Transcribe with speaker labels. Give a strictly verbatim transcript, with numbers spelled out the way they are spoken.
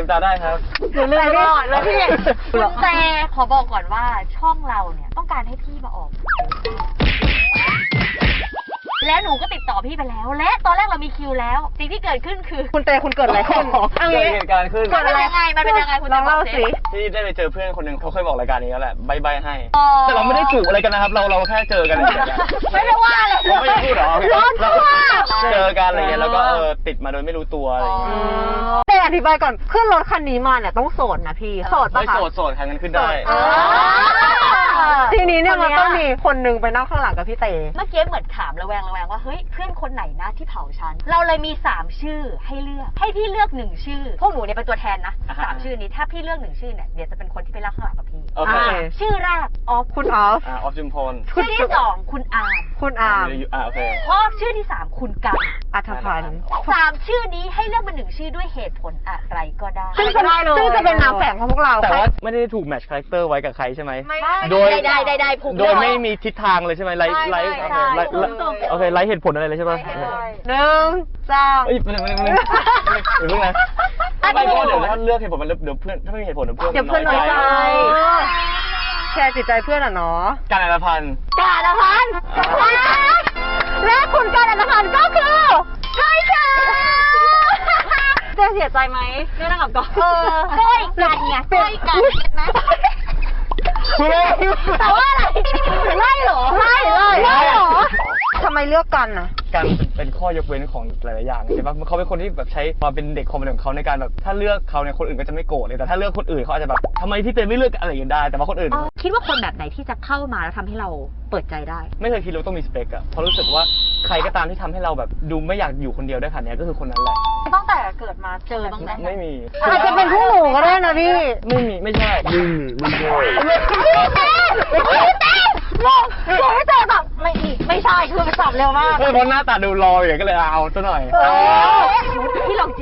Speaker 1: ลืมตาได้ครับ
Speaker 2: หนูลืมตลอดเลยพี่คุณแต่ขอบอกก่อนว่าช่องเราเนี่ยต้องการให้พี่มาออกและหนูก็ติดต่อพี่ไปแล้วและตอนแรกเรามีคิวแล้วสิ่งที่เกิดขึ้นคือ
Speaker 3: คุณเตคุณเกิดอะไรขึ้น
Speaker 1: เกิดเหตุการณ์ขึ้น
Speaker 2: มันเป็นยังไงมันเป็นยังไงคุณ
Speaker 3: ลองเล่าสิ
Speaker 1: พี่ได้ไปเจอเพื่อนคนหนึ่งเขาเคยบอกรายการนี้แล้วแหละใบใบให้แต่เราไม่ได้จูบอะไรกันนะครับเราเราแค่เจอกัน
Speaker 2: ไม่ได้ว่าเลย
Speaker 1: เราไม่ได้พูดหรอเจอกันอะไรเงี้ยแล้วก็เออติดมาโดยไม่รู้ตัวอะไรเงี้ย
Speaker 3: แต่อธิบายก่อนขึ้นรถคันนี้มาเนี่ยต้องโสดนะพี่โสดปะคะ
Speaker 1: ไม่โสดโสดค่ะงั้นขึ้นได้
Speaker 3: ทีนี้เนี่ยมันต้องมีคนนึงไปนั่งข้างหลังกับพี่เต
Speaker 2: เมื่อกี้เหมือนถามระแวงระแวงว่าเฮ้ยเพื่อนคนไหนนะที่เผาฉันเราเลยมีสามชื่อให้เลือกให้พี่เลือกหนึ่งชื่อพวกหนูเนี่ยเป็นตัวแทนนะสามชื่อนี้ถ้าพี่เลือกหนึ่งชื่อเนี่ยเดี๋ยวจะเป็นคนที่ไปเล่าข้างหลังกับพี่ชื่อแรกออฟ
Speaker 3: คุณออฟ
Speaker 1: ออฟจุมพล
Speaker 2: ชื่อที่สองคุณอาร์ม
Speaker 3: คุณอาร์ม
Speaker 1: อ่าโอเค
Speaker 2: พอชื่อที่สามคุณกัน
Speaker 3: อัธพันธ์
Speaker 2: สามชื่อนี้ให้เลือกมาหนึ่งชื่อด้วยเหตุผลอะไรก็ได้
Speaker 3: ซึ่งจะซึ่งจะเป็นนามแฝงของพวกเรา
Speaker 1: แต่ว่าไม่ได้ถูกแมทช์คาแรคเตอร์ไว้กับใครใช่ไหม
Speaker 2: โดยได้ได้ได้ผูก
Speaker 1: โดยไม่มีทิศทางเลยใช่ไหมไลฟ์ไลฟ์โอเคไลฟ์เหตุผลอะไรเลยใช่ไหม
Speaker 3: หนึ่งสอง
Speaker 1: เอ้ยไม่ไม่ไม่ไม่เพิ่งนะไม่เพราะเดี๋ยวถ้าเลือกเหตุผลมันเดี๋ยวเพื่อนถ้าไม่มีเหตุผลเดี๋ยวเพื่อน
Speaker 3: เดี๋ยวเพื่อนน้อยใจแชร์จิตใจเพื่อนอ่ะเนาะ
Speaker 1: การอัลพันธ์
Speaker 3: การอัลพันธ์และคุณการอัลพันธ์ก็คือใช่ค่ะจะเสียใจไหมไม่ต้องกับก่อน
Speaker 2: เออก้อยกันไงก้อยกันนะแต่ว่าอะไรไล่หรอ
Speaker 3: ไล่เลยไล่หรอทำไมเลือกกันอ่ะ
Speaker 1: การเป็นข้อยกเว้นของหลายๆอย่างใช่ปะเขาเป็นคนที่แบบใช้ความเป็นเด็กคอมเมดี้ของเขาในการแบบถ้าเลือกเขาเนี่ยคนอื่นก็จะไม่โกรธเลยแต่ถ้าเลือกคนอื่นเขาอาจจะแบบทำไมพี่เต้ไม่เลือกอะไรอย่างนี้ได้แต่ว่าคนอื่น
Speaker 2: คิดว่าคนแบบไหนที่จะเข้ามาแล้วทำให้เราเปิดใจได้
Speaker 1: ไม่เคยคิดว่าต้องมีสเปคอะเพราะรู้สึกว่าใครก็ตามที่ทำให้เราแบบดูไม่อยากอยู่คนเดียวได้ขนาดนี้ก็คือคนนั้นแหละ
Speaker 3: ตั้งแต่เกิดมาเจอบ้างไหม
Speaker 1: ไม่มี
Speaker 3: อาจจะเป็นผู้หนูก็ได้นะพี่
Speaker 1: ไม่มีไม่ใช่ไม่มีไม่ใช่
Speaker 3: พี่เต้มองพี่เต้แบบไม่ไม่ใช่คือมันตอบเร็วมาก
Speaker 1: เพราะหน้าตาดูรออย่างก็เลยเอาซะหน่อย
Speaker 2: พี่ลอง